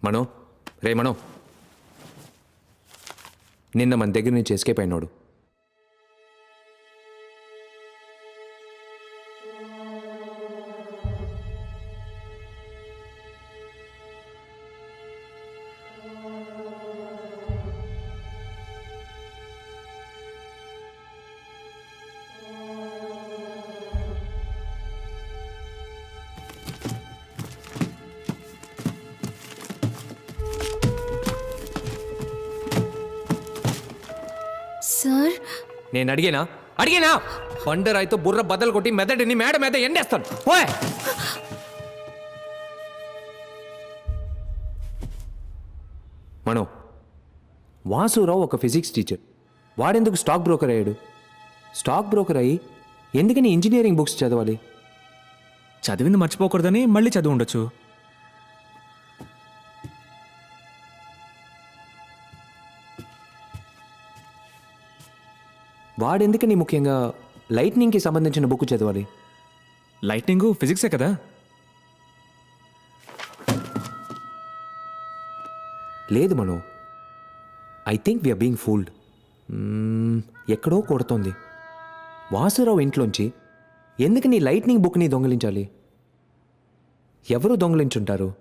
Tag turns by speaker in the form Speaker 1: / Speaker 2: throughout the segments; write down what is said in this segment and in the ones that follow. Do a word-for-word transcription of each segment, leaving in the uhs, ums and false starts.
Speaker 1: మనో రే మనో, నిన్న మన దగ్గర నుంచి ఎస్కేప్ అయినాడు.
Speaker 2: సార్,
Speaker 1: నేను అడిగేనా అడిగేనా బండరాయితో బుర్ర బద్దలు కొట్టి మెదడిని మేడ మీద ఎండేస్తాను. ఓయ్ మనో, వాసురావు ఒక ఫిజిక్స్ టీచర్. వాడెందుకు స్టాక్ బ్రోకర్ అయ్యాడు? స్టాక్ బ్రోకర్ అయ్యి ఎందుకని ఇంజనీరింగ్ బుక్స్ చదవాలి?
Speaker 3: చదివింది మర్చిపోకూడదని మళ్ళీ చదివి ఉండొచ్చు.
Speaker 1: వాడెందుకని ముఖ్యంగా లైట్నింగ్కి సంబంధించిన బుక్ చదవాలి?
Speaker 3: లైట్నింగ్ ఫిజిక్సే కదా.
Speaker 1: లేదు Mano, I think we are being fooled. ఎక్కడో కొడుతోంది. వాసురావు ఇంట్లోంచి ఎందుకని లైట్నింగ్ బుక్ని దొంగిలించాలి? ఎవరు దొంగిలించుంటారు?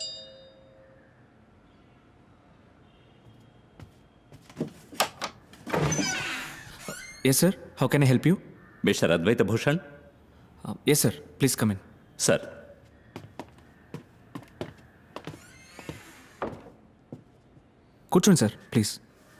Speaker 3: Yes sir, how can I help you?
Speaker 4: Mister Advaita Bhushan.
Speaker 3: Yes sir, please come in.
Speaker 4: Sir,
Speaker 3: కూర్చోండి సార్, ప్లీజ్.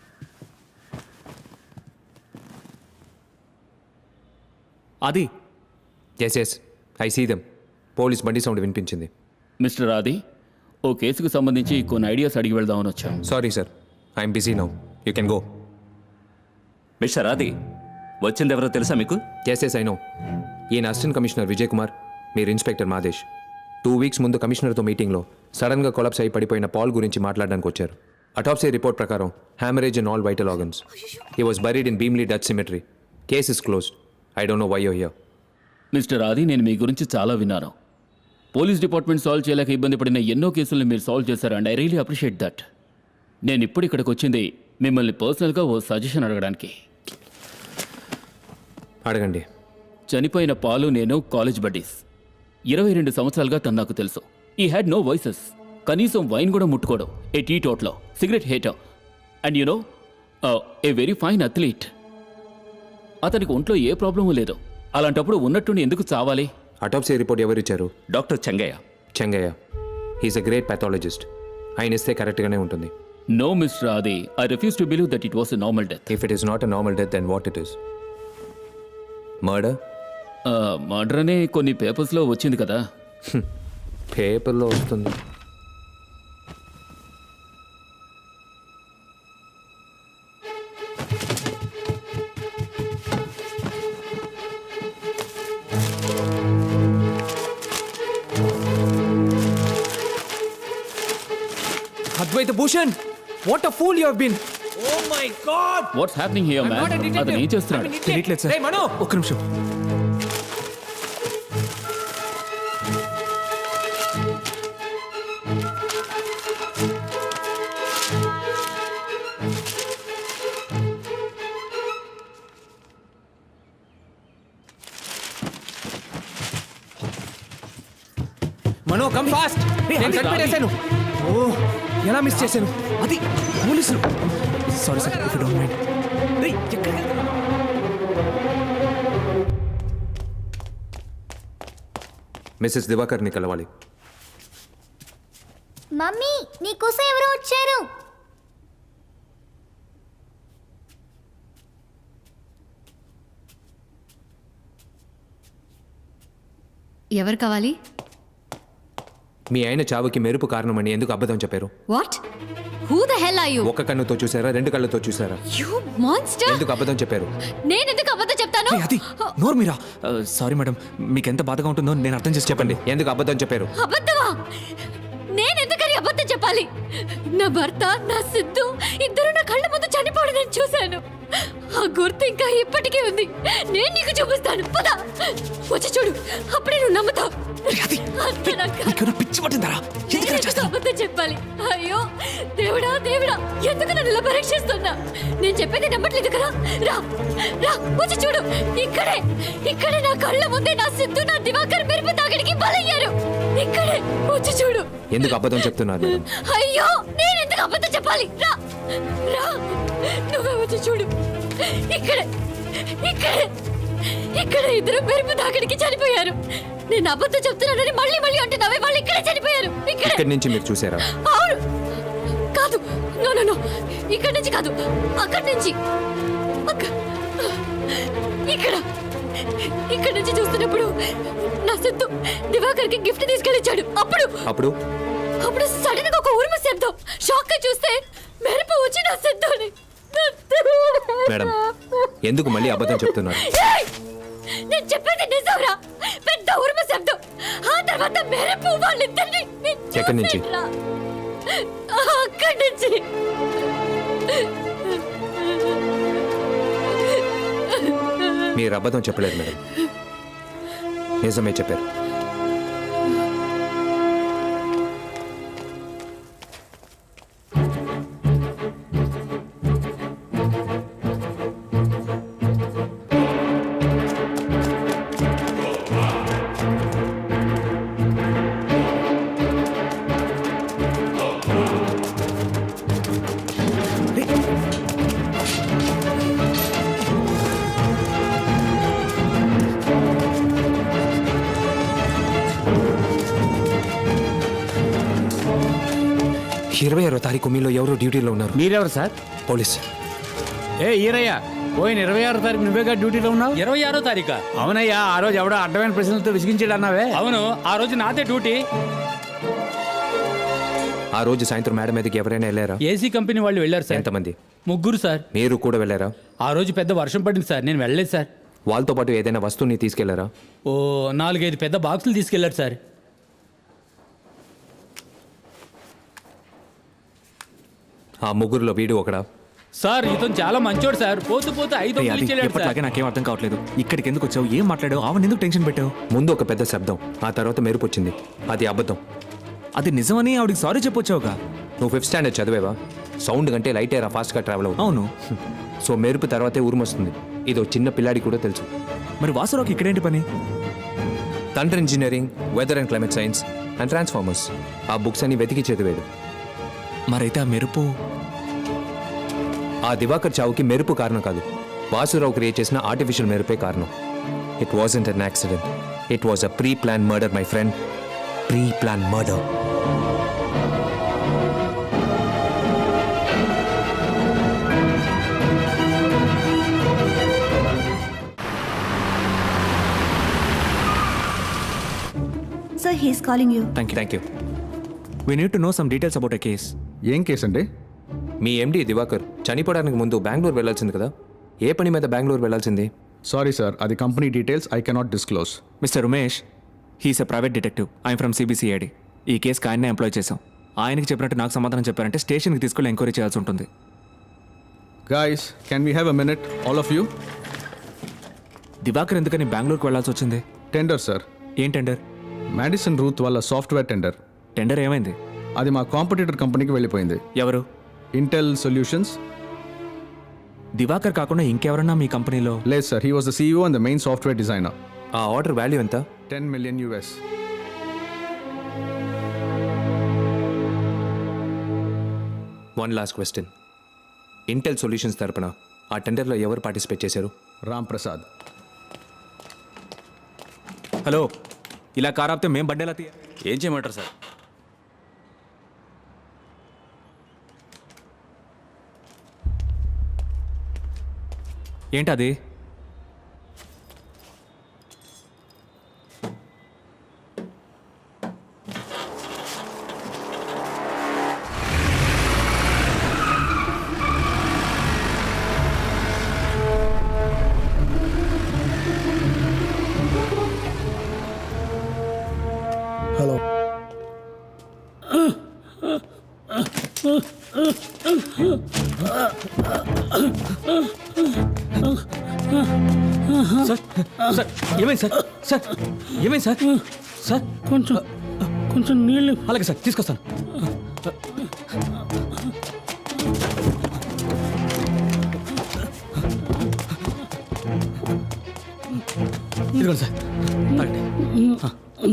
Speaker 3: అది
Speaker 1: yes yes I see them. Police బండి సౌండ్ వినిపించింది.
Speaker 5: మిస్టర్ ఆది, ఓ కేసుకు సంబంధించి కొన్ని ఐడియాస్ అడిగి వెళ్దామని వచ్చాం.
Speaker 1: Sorry sir, I'm busy now, you can go.
Speaker 4: Mister Adi, వచ్చిందెవరో తెలుసా మీకు?
Speaker 1: Yes yes I know. ఈయన అసిస్టెంట్ కమిషనర్ విజయ్ కుమార్, మీరు ఇన్స్పెక్టర్ మాదేశ్. టూ వీక్స్ ముందు కమిషనర్తో మీటింగ్లో సడన్గా కొలాప్స్ అయి పడిపోయిన పాల్ గురించి మాట్లాడడానికి వచ్చారు. అటాప్సీ రిపోర్ట్ ప్రకారం hemorrhage in all vital organs. He was buried in Bheemli Dutch cemetery. Case is closed. I don't know why you here.
Speaker 5: Mister Adi, నేను మీ గురించి చాలా విన్నాను. పోలీస్ డిపార్ట్మెంట్ సాల్వ్ చేయలేక ఇబ్బంది పడిన ఎన్నో కేసులను మీరు సాల్వ్ చేశారు, and I really appreciate that. నేను ఇప్పుడు ఇక్కడికి వచ్చింది మిమ్మల్ని పర్సనల్గా ఓ సజెషన్ అడగడానికి.
Speaker 1: అడగండి.
Speaker 5: చనిపోయిన పాలు నేను కాలేజ్ బడ్డీస్. ఇరవై రెండు సంవత్సరాలుగా తను నాకు తెలుసు. He had no vices. కనీసం వైన్ కూడా ముట్టుకోవడం. A teetotaller cigarette hater. And you know, a very fine athlete. అతనికి ఒంట్లో ఏ ప్రాబ్లము లేదు. అలాంటప్పుడు ఉన్నట్టుండి ఎందుకు చావాలి?
Speaker 1: అటాప్సీ రిపోర్ట్ ఎవరు ఇచ్చారు?
Speaker 4: Doctor Chengaiah.
Speaker 1: Chengaiah. He's a great pathologist. ఆయన ఇస్తే కరెక్ట్గానే ఉంటుంది.
Speaker 5: No mister Adi, I refuse to believe that it was a normal death.
Speaker 1: If it is not a normal death, then what it is? Murder.
Speaker 5: Murder అనే కొన్ని పేపర్స్లో వచ్చింది కదా.
Speaker 1: పేపర్లో వస్తుంది. Advaita Bhushan, what a fool you have been. Oh my god,
Speaker 5: what's happening here man? అతను ఏం చేస్తున్నాడు?
Speaker 3: తెలియట్లేదు సార్.
Speaker 1: రేయ్ మనో,
Speaker 3: ఒక్క నిమిషం.
Speaker 1: Mano come fast. నేను కనిపెట్టేశాను.
Speaker 3: ఓ, ఎలా మిస్ చేశాను? అది పోలీసులు. Sorry sir, if you don't mind.
Speaker 1: Mrs దివాకర్ని కలవాలి.
Speaker 2: మమ్మీ, నీకోసం ఎవరో వచ్చారు.
Speaker 6: ఎవరు కావాలి?
Speaker 1: మీ ఆయన చావుకి మెరుపు కారణమని ఎందుకు అబద్ధం చెప్పారు?
Speaker 6: What? Who the hell are you?
Speaker 1: ఒక కన్నుతో చూసారా, రెండు కళ్ళతో చూసారా?
Speaker 6: You monster!
Speaker 1: ఎందుకు అబద్ధం చెప్పారు?
Speaker 6: నేను ఎందుకు అబద్ధం చెప్తాను?
Speaker 3: ఏ, అది నోరు మీరా. సారీ మేడం, మీకు ఎంత బాధగా ఉంటుందో నేను అర్థం చేసి
Speaker 1: చెప్పండి, ఎందుకు అబద్ధం చెప్పారు?
Speaker 6: అబద్ధమా? నేను ఎందుకని అబద్ధం చెప్పాలి? నా భర్త నా సిద్ధు ఇద్దరు నా కళ్ళ ముందు చనిపోవడం నేను చూశాను. ఆ గుర్తు ఇంకా ఇప్పటికీ ఉంది. నేను నీకు చూపిస్తాను. పద వచ్చి చూడు, అప్పుడే నువ్వు నమ్ముతావు. అంతే నా కర్మ.
Speaker 3: నీకేమైనా పిచ్చి పట్టిందరా? ఎందుకు ఇలా
Speaker 6: నేను
Speaker 3: చేస్తావు?
Speaker 6: అబద్ధం చెప్పాలి? అయ్యో దేవుడా దేవుడా, ఎందుకు నన్ను ఇలా పరీక్షిస్తున్నా? నేను చెప్పేది నమ్మట్లేదు కదా. రా రా వచ్చి చూడు, ఇక్కడే ఇక్కడే నా కళ్ళ ముందే నా సిద్ధు నా దివాకర్ మెరుపు తాగడికి బలయ్యారు. ఇక్కడే వచ్చి చూడు.
Speaker 1: ఎందుకు అబద్ధం చెప్తున్నారు మేడం?
Speaker 6: అయ్యో నేను ఎందుకు అబద్ధం చెప్పాలి? రా రా నువ్వే వచ్చి చూడు. ఇక్కడే ఇక్కడే ఇక్కడ ఇద్దరు మెరుపు తాగడికి చనిపోయారు. నేను అబద్ధం చెప్తున్నానని మళ్ళీ మళ్ళీ అంటున్నావే, వాళ్ళు ఇక్కడే చనిపోయారు. ఇక్కడే.
Speaker 1: ఇక్కడి నుంచి మీరు చూసారా?
Speaker 6: అవును. కాదు, నో నో నో, ఇక్కడి నుంచి కాదు, అక్కడి నుంచి. అక్క- ఇక్కడ ఇక్కడి నుంచి చూస్తున్నప్పుడు నా సిద్ధు దివాకర్కి గిఫ్ట్ తీసుకెళ్ళిచ్చాడు. అప్పుడు
Speaker 1: అప్పుడు
Speaker 6: అప్పుడు సడన్ గా ఒక ఉరుము శబ్దం. షాక్ గా చూస్తే మెరుపు వచ్చి నా సిద్ధుని.
Speaker 1: మేడం, ఎందుకు మళ్ళీ అబద్ధం చెప్తున్నారు?
Speaker 6: ఏయ్! నేను చెప్పేది నిజంరా. పెద్ద ఉరుము శబ్దం, ఆ తర్వాత మెరుపు వాళ్ళిద్దరిని నేను
Speaker 1: ఎక్కడి నుంచి?
Speaker 6: చూసేట్రా. అక్కడి నుంచి.
Speaker 1: మీరు అబద్ధం చెప్పలేదు మేడం, నిజమే చెప్పారు. ఇరవై ఆరో తారీఖు మీలో ఎవరో డ్యూటీలో ఉన్నారు.
Speaker 7: మీరెవరు సార్?
Speaker 1: పోలీస్.
Speaker 7: ఏ ఈరయ్య, పోయిన ఇరవై ఆరో తారీఖు నువ్వేగా డ్యూటీలో ఉన్నావు?
Speaker 8: ఇరవై ఆరో తారీఖా?
Speaker 7: అవునయ్యా, ఆ రోజు ఎవడో అడ్డమైన ప్రశ్నలతో విసిగించాడు అన్నావే.
Speaker 8: అవును, ఆ రోజు నాదే డ్యూటీ.
Speaker 1: ఆ రోజు సాయంత్రం మేడం మీదకి ఎవరైనా వెళ్ళారా?
Speaker 8: ఏసీ కంపెనీ వాళ్ళు వెళ్ళారు సార్.
Speaker 1: ఎంతమంది?
Speaker 8: ముగ్గురు సార్.
Speaker 1: మీరు కూడా వెళ్ళారా?
Speaker 8: ఆ రోజు పెద్ద వర్షం పడింది సార్, నేను వెళ్ళలేదు సార్.
Speaker 1: వాళ్ళతో పాటు ఏదైనా వస్తువుని తీసుకెళ్లారా?
Speaker 8: ఓ నాలుగైదు పెద్ద బాక్సులు తీసుకెళ్లారు సార్.
Speaker 1: ఆ ముగ్గురులో వీడు ఒకడా?
Speaker 8: సార్ ఇతను చాలా మంచోడు సార్. పోతూ పోతూ ఐదు
Speaker 3: రేయ్,
Speaker 8: వందలు
Speaker 3: అది
Speaker 8: ఇచ్చేళ్ళాడు సార్.
Speaker 3: ఎప్పటిలాగే నాకేం అర్థం కావట్లేదు. ఇక్కడికి ఎందుకు వచ్చావు? ఏం మాట్లాడావు? ఆవిడ ఎందుకు టెన్షన్ పెట్టావు?
Speaker 1: ముందు ఒక పెద్ద శబ్దం, ఆ తర్వాత మెరుపు వచ్చింది. అది అబద్ధం.
Speaker 3: అది నిజమని ఆవిడకి సారీ చెప్పొచ్చావుగా.
Speaker 1: నువ్వు ఫిఫ్త్ స్టాండర్డ్ చదివేవా? సౌండ్ కంటే లైట్ ఎయిర్ ఫాస్ట్గా ట్రావెల్ అవుతుంది.
Speaker 3: అవును.
Speaker 1: సో మెరుపు తర్వాతే ఉరుము వస్తుంది. ఇది ఒక చిన్న పిల్లాడి కూడా తెలుసు.
Speaker 3: మరి వాసురావుకి ఇక్కడేంటి పని?
Speaker 1: Thunder engineering, weather and climate science and transformers ఆ బుక్స్ అన్ని వెతికి చదివాడు.
Speaker 3: మరైతే ఆ మెరుపు
Speaker 1: ఆ దివాకర్ చావుకి మెరుపు కారణం కాదు, వాసురావు క్రియేట్ చేసిన ఆర్టిఫిషియల్ మెరుపే కారణం. It wasn't an accident, it was a pre plan murder my friend. Pre plan murder.
Speaker 9: Sir, he's calling you.
Speaker 3: Thank you.
Speaker 1: Thank you.
Speaker 3: We need to know some details about a case.
Speaker 10: ఏం కేసు అండి?
Speaker 1: మీ ఎండి దివాకర్ చనిపోవడానికి ముందు బెంగళూరు వెళ్ళాల్సింది కదా, ఏ పని మీద బెంగళూరు వెళ్ళాల్సింది?
Speaker 10: సారీ సార్, అది company details I cannot disclose.
Speaker 3: Mister Umesh, he's a private detective. I'm from CBCID. ఈ కేసుకి ఆయన్నే ఎంప్లాయ్ చేశాం. ఆయనకి చెప్పినట్టు నాకు సమాధానం చెప్పారంటే స్టేషన్కి తీసుకెళ్ళి ఎంక్వైరీ చేయాల్సి ఉంటుంది.
Speaker 10: Guys, can we have a minute all of you?
Speaker 3: Divakar ఎందుకని బెంగళూరుకి వెళ్ళాల్సి వచ్చింది?
Speaker 10: Tender sir.
Speaker 3: ఏం టెండర్?
Speaker 10: మ్యాడిసన్ రూత్ వాళ్ళ సాఫ్ట్వేర్ టెండర్.
Speaker 3: టెండర్ ఏమైంది?
Speaker 10: అది మా కాంపిటీటర్ కంపెనీకి వెళ్ళిపోయింది.
Speaker 3: ఎవరు?
Speaker 10: Intel solutions.
Speaker 3: దివాకర్ కాకుండా ఇంకెవరన్నా మీ కంపెనీలో?
Speaker 10: లేదు sir, he was the CEO and the main software designer.
Speaker 1: ఆ ఆర్డర్ వాల్యూ ఎంత?
Speaker 10: Ten million US.
Speaker 1: One last question. Intel Solutions తరపున ఆ టెండర్లో ఎవరు పార్టిసిపేట్ చేశారు?
Speaker 10: రామ్ ప్రసాద్.
Speaker 3: హలో, ఇలా కార్ ఆపితే మేం బండేలా తీయ.
Speaker 4: ఏం చేయమంటారు సార్?
Speaker 3: ఏంటది?
Speaker 11: హలో
Speaker 3: సార్ ఏమైంది సార్ సార్ ఏమైంది సార్ సార్
Speaker 7: కొంచెం కొంచెం నీళ్ళు
Speaker 3: అలాగే సార్ తీసుకొస్తాను ఇదిగోండి సార్ తాగండి. ఆ.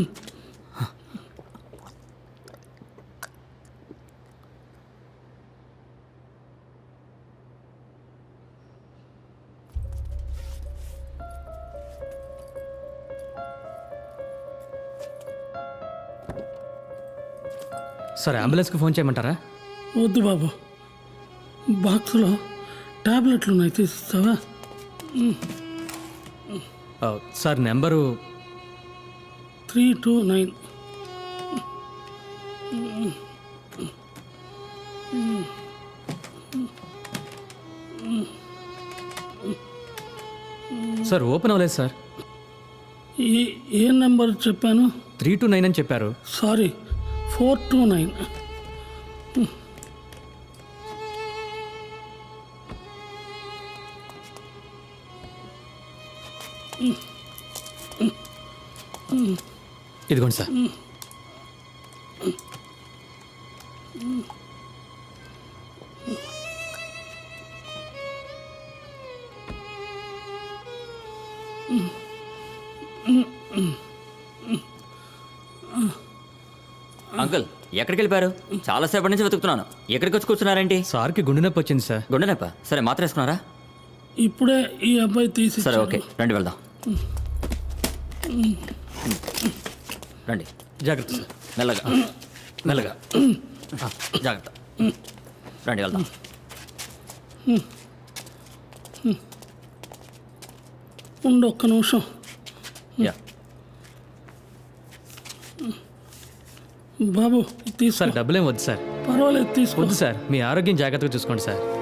Speaker 3: సార్ అంబులెన్స్కి ఫోన్ చేయమంటారా?
Speaker 7: వద్దు బాబు, బాక్స్లో టాబ్లెట్లు ఉన్నాయి, తీసిస్తావా?
Speaker 3: ఆ, sir number
Speaker 7: three two nine.
Speaker 3: Sir open అవ్వలేదు సార్.
Speaker 7: ఏ ఏ నెంబర్ చెప్పాను?
Speaker 3: త్రీ టు నైన్ అని చెప్పారు.
Speaker 7: Sorry, four two nine.
Speaker 3: ఇదిగోండి సార్.
Speaker 11: అంకుల్ ఎక్కడికి వెళ్ళిపోయారు? చాలాసేపటి నుంచి వెతుకుతున్నాను. ఎక్కడికి వచ్చి కూర్చున్నారేంటి?
Speaker 3: సార్కి గుండె నొప్పి వచ్చింది సార్.
Speaker 11: గుండె నొప్ప? సరే మాత్ర వేసుకున్నారా?
Speaker 7: ఇప్పుడే ఈ అబ్బాయి తీసి.
Speaker 11: సరే ఓకే రండి వెళ్దాం. రండి
Speaker 3: జాగ్రత్త సార్.
Speaker 11: మెల్లగా మెల్లగా ఆ, జాగ్రత్త. రండి వెళ్దాం.
Speaker 7: ఉండు ఒక్క నిమిషం.
Speaker 11: యా
Speaker 7: బాబు తీసుకో.
Speaker 3: సార్ డబ్బులేం వద్దు సార్.
Speaker 7: పర్వాలేదు, తీసుకో.
Speaker 3: వద్దు సార్, మీ ఆరోగ్యం జాగ్రత్తగా చూసుకోండి సార్.